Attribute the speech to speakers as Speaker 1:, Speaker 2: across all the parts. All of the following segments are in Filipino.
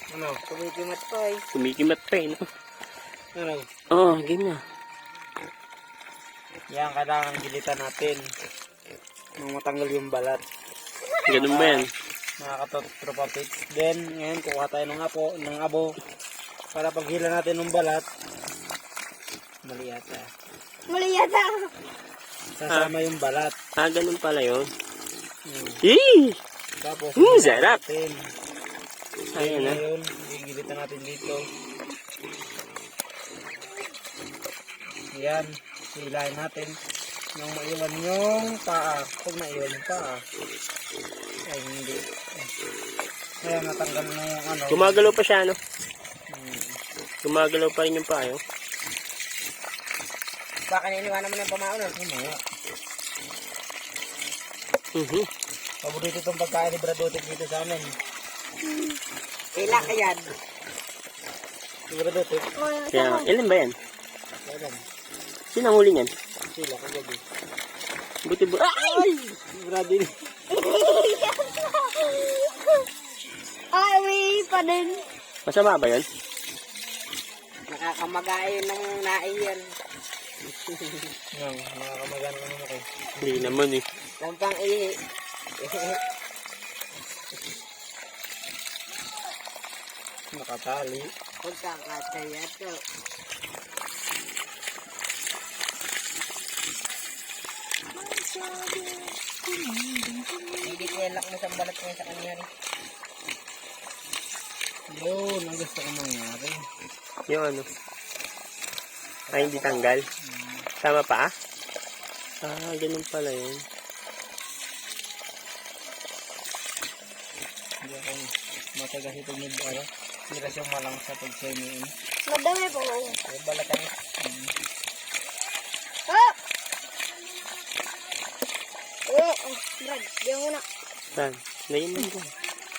Speaker 1: Ano? Kumikimat pa eh.
Speaker 2: Kumikimat pa eh, no?
Speaker 1: Ano?
Speaker 2: Oo, game na.
Speaker 1: Yan, kailangan gilitan natin. Nung matanggal yung balat.
Speaker 2: Ganun ba yan?
Speaker 1: Mga katropa pits. Then, ngayon kukuha tayo ng abo. Para paghila natin ng balat. Mali yata.
Speaker 3: Mali yata.
Speaker 1: Sasama yung balat.
Speaker 2: Ganun pala yun.
Speaker 1: Hmm.
Speaker 2: Yee!
Speaker 1: Tapos,
Speaker 2: Sarap!
Speaker 1: natin.
Speaker 2: Ayan na.
Speaker 1: Ngayon, gigilitan natin dito. Yan. Silahin natin. Nang maiwan yung paa. Pag maiwan yung paa. Ay, hindi. Kaya natanggal na yung ano.
Speaker 2: Gumagalaw pa siya, no? Gumagalaw pa rin yung payo.
Speaker 1: Baka iniwanan mo ng pamaon. Mamaya. Paborito itong pagkain ni Bradotek dito sa amin. Kailan ka yan? Si Bradotek.
Speaker 2: Kaya, ilan ba yan?
Speaker 1: Kailan?
Speaker 2: Sino ang huli niyan?
Speaker 1: Sila kagabi.
Speaker 2: Buti ba?
Speaker 1: Ay! Bradotek.
Speaker 3: Ay, pa din.
Speaker 2: Masama ba yun?
Speaker 1: Nakakamagayon ng naiyan. Nakakamagayon ng naman kayo.
Speaker 2: Hindi naman eh.
Speaker 1: Lampang ihi. Nakatali. Pagkakataya to. Hindi kilak mo sa balat mo sa kanya rin. Yun, ang gusto ko mangyari.
Speaker 2: Yung ano? Ay, hindi tanggal. Tama pa ganun pala yun.
Speaker 1: Hindi ako matagas ito ng ara. Hindi siyang malang sa pag-semiin.
Speaker 3: Madami po.
Speaker 1: Ay, balatan.
Speaker 3: Oh! Brad, di mo na.
Speaker 2: Saan? Ngayon mo ko.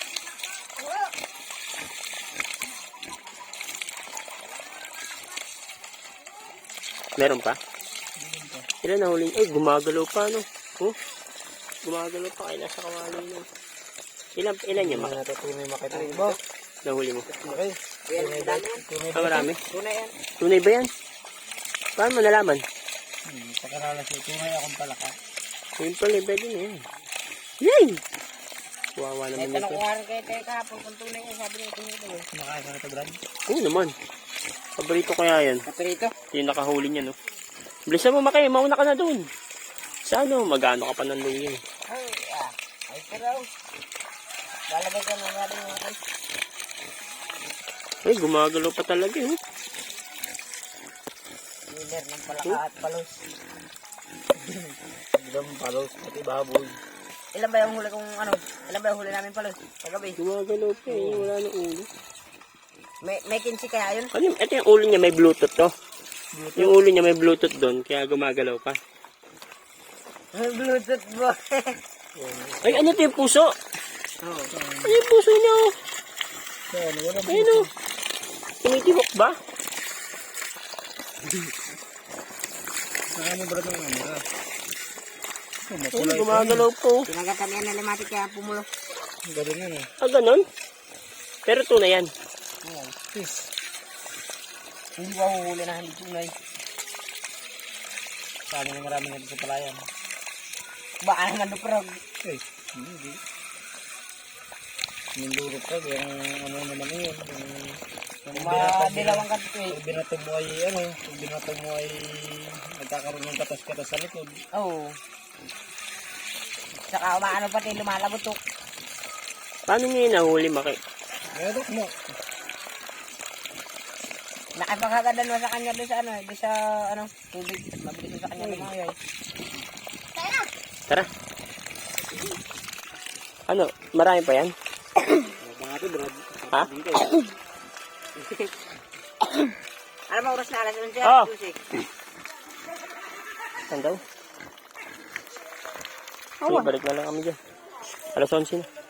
Speaker 2: Meron pa? Ilan na huli? Ay, gumagalaw pa, no? Oh, gumagalaw pa. Kaya nasa kawali na. Ilan niya,
Speaker 1: Mga natutunay makita mo.
Speaker 2: nahuli mo?
Speaker 1: Okay. Tunay ba? Tunay ba?
Speaker 2: Marami?
Speaker 1: Tunay yan.
Speaker 2: Tunay ba yan? Paano mo nalaman?
Speaker 1: Pakarala siya. Tunay akong palaka.
Speaker 2: Yun pala, pwede na yan. Yay! Wawa naman
Speaker 1: Tanong
Speaker 2: ito.
Speaker 1: ko nga rin kayo tayo kahapon kung tunay yan. Sabi niya tunay ito. Nakaya ka na ito, Brad?
Speaker 2: Oo naman. Paborito ko kaya yan.
Speaker 1: Kaperito?
Speaker 2: Yung nakahuli niya, no? Bilisan mo, Maki. Mauna ka na doon. Sa ano, mag-ano ka pa ng luya.
Speaker 1: Ay, ay pero. Lalagay ka na nga rin mga kayo.
Speaker 2: Ay, gumagalaw pa talaga, eh.
Speaker 1: Leader ng palaka at palos. Ilang palos, pati baboy. Ilan ba yung huli kong ano? Ilan ba yung huli namin palos? Kagabi.
Speaker 2: Gumagalaw pa, eh. Wala na ulo.
Speaker 1: May kinsi kaya yun?
Speaker 2: Ano, ito yung ulo niya, may Bluetooth, to. Yung ulo niya may Bluetooth doon, kaya gumagalaw pa.
Speaker 1: May Bluetooth bo.
Speaker 2: Ay, ano ito yung puso?
Speaker 1: Oo.
Speaker 2: Ano yung puso niya, oh?
Speaker 1: Wala
Speaker 2: Ayun, oh. Tumitibok ba?
Speaker 1: Saan mo ba ng ano?
Speaker 2: Ay, gumagalaw po.
Speaker 1: Pinagatan yan na limatik kaya pumulo. Galing yan eh.
Speaker 2: Ganon? Pero tunay yan.
Speaker 1: Oo. Sis. Hindi ko huhuli na hindi tunay. Sabi na marami nga sa palayan. Baka naman luprog. Eh, hindi. Nindurot ka, yung ano naman yun. Yung dilawang ka dito eh. Pag binato mo ay ano, pag binato mo ay nagkakaroon ng katas-katas sa likod. Oo. Saka umaano pati lumalabutok.
Speaker 2: Paano niya yung nahuli, Maki?
Speaker 1: Meron mo. Nakipagkagadan mo sa kanya doon sa ano, doon sa ano, tubig. Mabilis mo sa kanya lumayo eh.
Speaker 2: Tara. Ano, marami pa yan?
Speaker 1: Mga Brad.
Speaker 2: Ha?
Speaker 1: Ano ba oras na alas 11?
Speaker 2: Oh. Saan daw? Sige, balik na lang kami dyan. Alas 11 na.